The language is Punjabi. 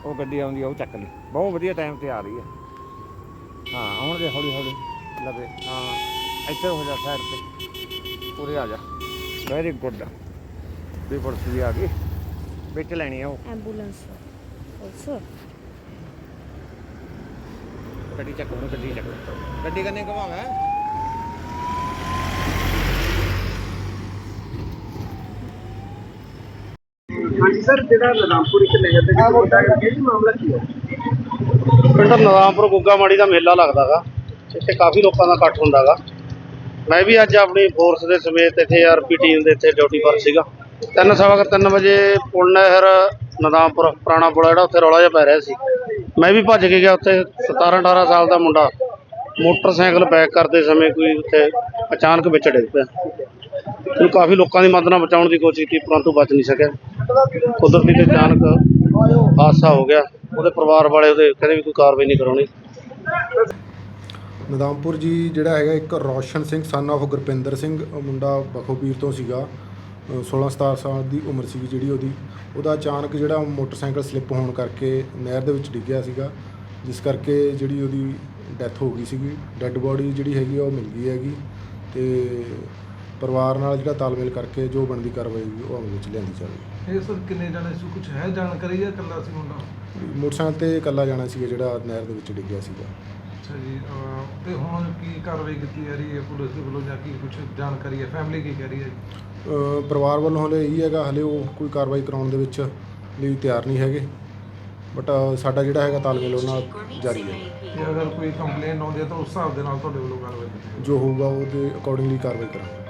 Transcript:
ਉਹ ਗੱਡੀ ਆਉਂਦੀ ਆ ਉਹ ਚੱਕ ਲਈ। ਬਹੁਤ ਵਧੀਆ ਟਾਈਮ 'ਤੇ ਆ ਰਹੀ ਹੈ। ਹਾਂ ਆਉਣ ਦੇ ਹੌਲੀ ਹੌਲੀ ਲਵੇ। ਹਾਂ ਇੱਥੇ ਹੋ ਜਾ ਸਾਈਡ 'ਤੇ ਉਰੇ ਆ ਜਾ। ਵੈਰੀ ਗੁੱਡ ਵੀ ਪੁਲਿਸ ਵੀ ਆ ਗਈ ਵਿੱਚ ਲੈਣੀ ਆ ਉਹ ਐਂਬੂਲੈਂਸ ਆਲਸੋ। ਗੱਡੀ ਚੱਕ ਉਹਨੂੰ ਗੱਡੀ ਚੱਕ ਗੱਡੀ ਕੰਨੇ ਘੁਮਾਵਾਂ। ਹਾਂਜੀ ਸਰ, ਜਿਹੜਾ ਨਦਾਮਪੁਰ ਇੱਕ ਨਹਿਰ ਦੇ ਵਿੱਚ ਮੁੰਡਾ ਗਿਆ ਕੀ ਮਾਮਲਾ ਕੀ ਹੈ? ਪਿੰਡ ਨਦਾਮਪੁਰ ਗੁੱਗਾ ਮਾੜੀ ਦਾ ਮੇਲਾ ਲੱਗਦਾ ਗਾ। ਇੱਥੇ ਕਾਫੀ ਲੋਕਾਂ ਦਾ ਇਕੱਠ ਹੁੰਦਾ ਗਾ। ਮੈਂ ਵੀ ਅੱਜ ਆਪਣੀ ਫੋਰਸ ਦੇ ਸਮੇਤ ਇੱਥੇ ਆਰਪੀ ਟੀਮ ਦੇ ਇੱਥੇ ਡਿਊਟੀ ਪਰ ਸੀਗਾ। 3 ਵਜੇ ਪੁਲ ਨਹਿਰ ਨਦਾਮਪੁਰ ਪੁਰਾਣਾ ਪੁਲ ਜਿਹੜਾ ਉੱਥੇ ਰੌਲਾ ਜਿਹਾ ਪੈ ਰਿਹਾ ਸੀ। ਮੈਂ ਵੀ ਭੱਜ ਕੇ ਗਿਆ। ਉੱਥੇ 17-18 ਸਾਲ ਦਾ ਮੁੰਡਾ ਮੋਟਰਸਾਈਕਲ ਬੈਕ ਕਰਦੇ ਸਮੇਂ ਕੋਈ ਉੱਥੇ ਅਚਾਨਕ ਵਿੱਚ ਡਿੱਗ ਪਿਆ। ਉਹਨੂੰ ਕਾਫੀ ਲੋਕਾਂ ਦੀ ਮਦਦ ਨਾਲ ਬਚਾਉਣ ਦੀ ਕੋਸ਼ਿਸ਼ ਕੀਤੀ ਪਰੰਤੂ ਬਚ ਨਹੀਂ ਸਕਿਆ। ਕੁਦਰਤੀ ਤੇ ਅਚਾਨਕ ਹਾਦਸਾ ਹੋ ਗਿਆ। ਉਹਦੇ ਪਰਿਵਾਰ ਵਾਲੇ ਉਹਦੇ ਕਹਿੰਦੇ ਵੀ ਕੋਈ ਕਾਰਵਾਈ ਨਹੀਂ ਕਰਾਉਣੀ। ਨਦਾਮਪੁਰ ਜੀ ਜਿਹੜਾ ਹੈਗਾ ਇੱਕ ਰੌਸ਼ਨ ਸਿੰਘ ਸਨ ਆਫ ਗੁਰਪਿੰਦਰ ਸਿੰਘ ਮੁੰਡਾ ਬਖੋਪੀਰ ਤੋਂ ਸੀਗਾ। 16-17 ਸਾਲ ਦੀ ਉਮਰ ਸੀਗੀ ਜਿਹੜੀ ਉਹਦਾ ਅਚਾਨਕ ਜਿਹੜਾ ਮੋਟਰਸਾਈਕਲ ਸਲਿੱਪ ਹੋਣ ਕਰਕੇ ਨਹਿਰ ਦੇ ਵਿੱਚ ਡਿੱਗਿਆ ਸੀਗਾ, ਜਿਸ ਕਰਕੇ ਜਿਹੜੀ ਉਹਦੀ ਡੈਥ ਹੋ ਗਈ ਸੀਗੀ। ਡੈੱਡ ਬੋਡੀ ਜਿਹੜੀ ਹੈਗੀ ਉਹ ਮਿਲ ਗਈ ਹੈਗੀ ਅਤੇ ਪਰਿਵਾਰ ਨਾਲ ਜਿਹੜਾ ਤਾਲਮੇਲ ਕਰਕੇ ਜੋ ਬਣਦੀ ਕਾਰਵਾਈ ਉਹ ਅਮਲ ਵਿੱਚ ਲਿਆਂਦੀ ਜਾਵੇ। ਇਹ ਸਰ ਕਿੰਨੇ ਜਾਣੇ ਸੀ, ਕੁਝ ਹੈ ਜਾਣਕਾਰੀ ਜਾਂ ਇਕੱਲਾ ਸੀ ਮੁੰਡਾ? ਮੋਟਰਸਾਈਕਲ 'ਤੇ ਇਕੱਲਾ ਜਾਣਾ ਸੀਗਾ ਜਿਹੜਾ ਨਹਿਰ ਦੇ ਵਿੱਚ ਡਿੱਗਿਆ ਸੀਗਾ। ਅੱਛਾ ਜੀ, ਤੇ ਹੁਣ ਕੀ ਕਾਰਵਾਈ ਕੀਤੀ ਜਾ ਰਹੀ ਹੈ ਪੁਲਿਸ ਦੇ ਵੱਲੋਂ ਜਾਂ ਕੀ ਕੁਝ ਜਾਣਕਾਰੀ ਹੈ? ਫੈਮਿਲੀ ਕੀ ਕਹਿ ਰਹੀ ਹੈ? ਪਰਿਵਾਰ ਵੱਲੋਂ ਹਲੇ ਇਹੀ ਹੈਗਾ, ਹਲੇ ਉਹ ਕੋਈ ਕਾਰਵਾਈ ਕਰਾਉਣ ਦੇ ਵਿੱਚ ਲਈ ਤਿਆਰ ਨਹੀਂ ਹੈਗੇ, ਬਟ ਸਾਡਾ ਜਿਹੜਾ ਹੈਗਾ ਤਾਲਮੇਲ ਉਹਨਾਂ ਨਾਲ ਜਾਰੀ ਹੈ। ਤੇ ਅਗਰ ਕੋਈ ਕੰਪਲੇਨ ਆਉਂਦੀ ਹੈ ਤਾਂ ਉਸ ਹਿਸਾਬ ਦੇ ਨਾਲ ਤੁਹਾਡੇ ਵੱਲੋਂ ਕਾਰਵਾਈ ਕੀਤੀ ਜਾਵੇਗੀ? ਜੋ ਹੋਊਗਾ ਉਹਦੇ ਅਕੋਰਡਿੰਗਲੀ ਕਾਰਵਾਈ ਕਰਾਂਗੇ।